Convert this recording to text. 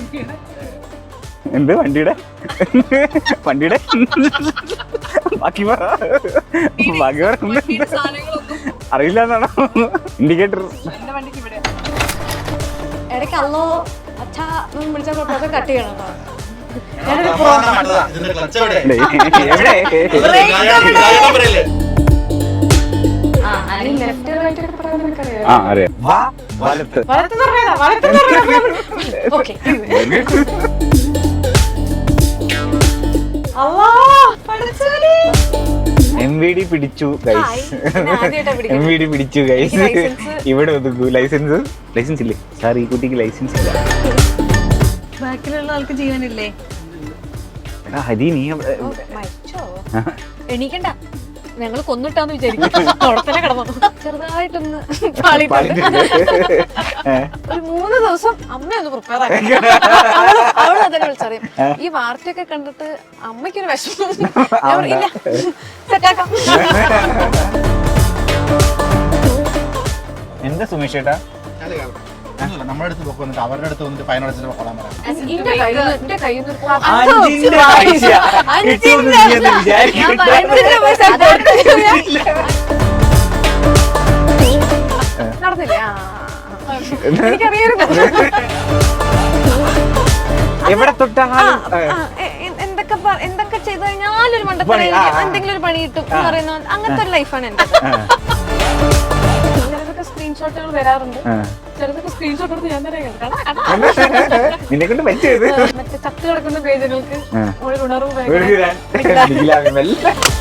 എന്ത് വണ്ടിയുടെ ബാക്കി പറ അറിയില്ല എന്നാണോ? ഇൻഡിക്കേറ്റർ ഇടയ്ക്ക് അല്ലോ അച്ഛാ വിളിച്ച കട്ട് ചെയ്യണം MVD പിടിച്ചു ഗൈസ്. MVD പിടിച്ചു ഗൈസ്. ഇവിടെ ഒതുക്കൂ. ലൈസൻസ് ഇല്ലേ സാർ? ഈ കുട്ടിക്ക് ലൈസൻസ് ഇല്ല. ബാക്കിലുള്ള ആൾക്ക് ജീവനില്ലേ? ഹരി നീ എണീക്കണ്ട, ഞങ്ങള് കൊന്നിട്ടാന്ന് വിചാരിക്കും. അവിടെ തന്നെ കിടന്നു ചെറുതായിട്ടൊന്ന് ഒരു 3 ദിവസം അമ്മയൊന്ന് പ്രിപ്പയർ ആക്കി. അവള് അതന്നെ വിളിച്ചറിയും. ഈ വാർത്തയൊക്കെ കണ്ടിട്ട് അമ്മയ്ക്കൊരു വിഷമം. ഇല്ല സെറ്റാക്കാം. എന്താ സുമേഷ് ചേട്ടാ? നമ്മുടെ അടുത്ത് വന്നിട്ട് അവരുടെ അടുത്ത് വന്നിട്ട് ഫൈൻ അടച്ചിട്ട് കൊള്ളാൻ പറയാം. എവിടെ തൊട്ടാലും എന്തൊക്കെ ചെയ്ത് കഴിഞ്ഞാലൊരു മണ്ടപ്പണി, എന്തെങ്കിലും ഒരു പണി കിട്ടും എന്ന് പറയുന്ന അങ്ങനത്തെ ഒരു ലൈഫാണ് എന്റെ. ചിലതൊക്കെ സ്ക്രീൻഷോട്ടുകൾ വരാറുണ്ട്, ചിലതൊക്കെ സ്ക്രീൻഷോട്ട് എടുത്ത് ഞാൻ തന്നെ നിന്നെ പറ്റിയത് മറ്റേ ചത്ത് കിടക്കുന്ന പേജുകൾക്ക് ഒരു ഉണർവ്